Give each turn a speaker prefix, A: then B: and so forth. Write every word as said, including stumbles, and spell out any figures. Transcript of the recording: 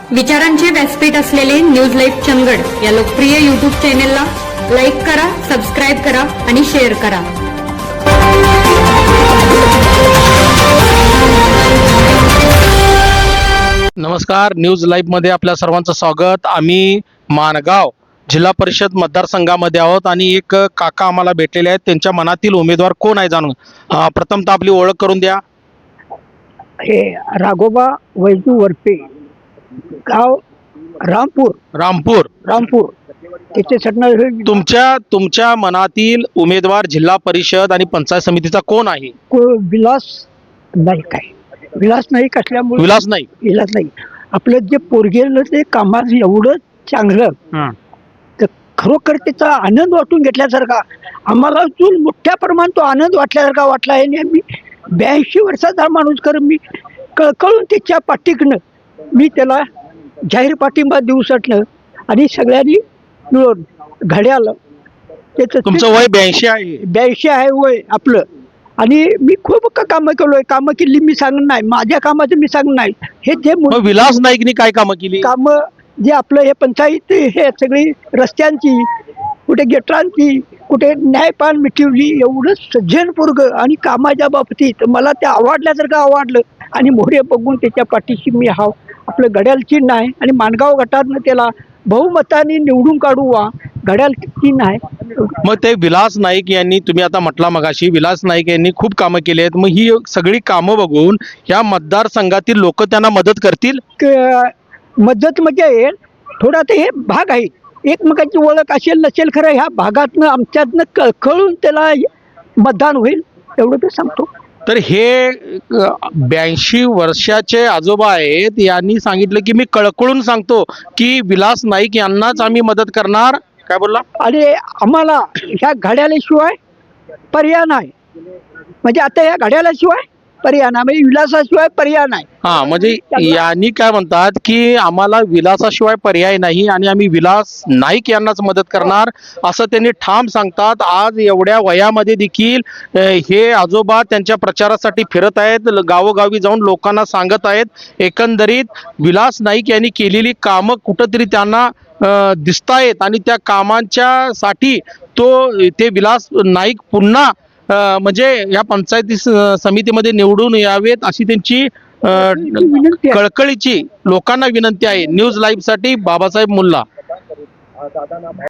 A: विचारांचे व्यासपीठ असलेले न्यूज लाईव्ह चंदगड या लोकप्रिय युट्यूब चॅनेलला लाईक करा, सबस्क्राईब करा आणि शेअर करा.
B: नमस्कार, न्यूज लाईव्ह मध्ये आपल्या सर्वांचं स्वागत. आम्ही माणगाव जिल्हा परिषद मतदारसंघामध्ये आहोत आणि एक काका आम्हाला भेटलेले आहेत. त्यांच्या मनातील उमेदवार कोण आहे जाणून अं, प्रथमतः आपली ओळख करून द्या.
C: हे राघोबा वैजू वरपे, गाव रामपूर
B: रामपूर.
C: रामपूर त्याचे सटणार
B: तुमच्या तुमच्या मनातील उमेदवार जिल्हा परिषद आणि पंचायत समितीचा कोण आहे?
C: विलास नाईक आहे. विलास नाईक असल्यामुळे
B: विलास नाईक.
C: विलास नाईक आपलं जे पोरगेलं ते कामात एवढं चांगलं, तर खरोखर त्याचा आनंद वाटून घेतल्यासारखा आम्हाला जो मोठ्या प्रमाणात तो आनंद वाटल्यासारखा वाटला आहे. आणि मी ब्याऐंशी वर्षाचा माणूस कर मी कळकळून त्याच्या पाठीकनं मी त्याला जाहीर पाठिंबा देऊ शकणं आणि सगळ्यांनी मिळून घड्याळ त्याचं
B: तुमचं वय ब्याऐंशी आहे.
C: ब्याऐंशी आहे वय आपलं. आणि मी खूप का कामं केलोय, कामं केली मी सांगत नाही, माझ्या कामाचं मी सांगत नाही. हे जे
B: मग विलास नाईकनी काय कामं केली?
C: कामं जे आपलं हे पंचायत हे सगळी रस्त्यांची, कुठे गेटरांची, कुठे न्यायपान मिटवली, एवढं सज्जनपूर्ग आणि कामाच्या बाबतीत मला ते आवडल्यासारखं आवडलं. आणि मोहरे बघून त्याच्या पाठीशी मी हाव आपलं घड्याळ चिन्ह आहे. आणि माणगाव गटातनं त्याला बहुमताने निवडून काढू वा घड्याळ चिन्ह आहे.
B: मग ते विलास नाईक यांनी, तुम्ही आता म्हटला मगाशी विलास नाईक यांनी खूप कामं केली आहेत. मग ही सगळी कामं बघून या मतदारसंघातील लोक त्यांना मदत करतील?
C: क- मदत म्हणजे थोडा ते हे भाग आहे, एकमेकांची ओळख असेल नसेल, खरं ह्या भागातनं आमच्यातनं कळकळून त्याला मतदान होईल एवढं ते सांगतो.
B: तर हे ब्याऐंशी वर्षाचे आजोबा आहेत, यांनी सांगितलं की मी कळकळून सांगतो की विलास नाईक यांनाच आम्ही मदत करणार. काय बोलला?
C: आणि आम्हाला ह्या घड्याळाशिवाय पर्याय नाही. म्हणजे आता ह्या घड्याळाशिवाय पर्याय नाही, म्हणजे विलासाशिवाय पर्याय नाही.
B: हा, म्हणजे यांनी काय म्हणतात की आम्हाला विलासाशिवाय पर्याय नाही आणि आम्ही विलास नाईक यांनाच मदत करणार असं त्यांनी ठाम सांगतात. आज एवढ्या वयामध्ये देखील अ, हे आजोबा त्यांच्या प्रचारासाठी फिरत आहेत, गावोगावी जाऊन लोकांना सांगत आहेत. एकंदरीत विलास नाईक यांनी केलेली कामं कुठंतरी त्यांना दिसतायत आणि त्या कामांच्या साठी तो ते विलास नाईक पुन्हा अ, म्हणजे या पंचायती स- समितीमध्ये निवडून यावेत अशी त्यांची अ,
C: विनंती आहे.
B: कळकळीची लोकांना विनंती आहे. न्यूज लाईव्ह साठी बाबासाहेब मुल्ला.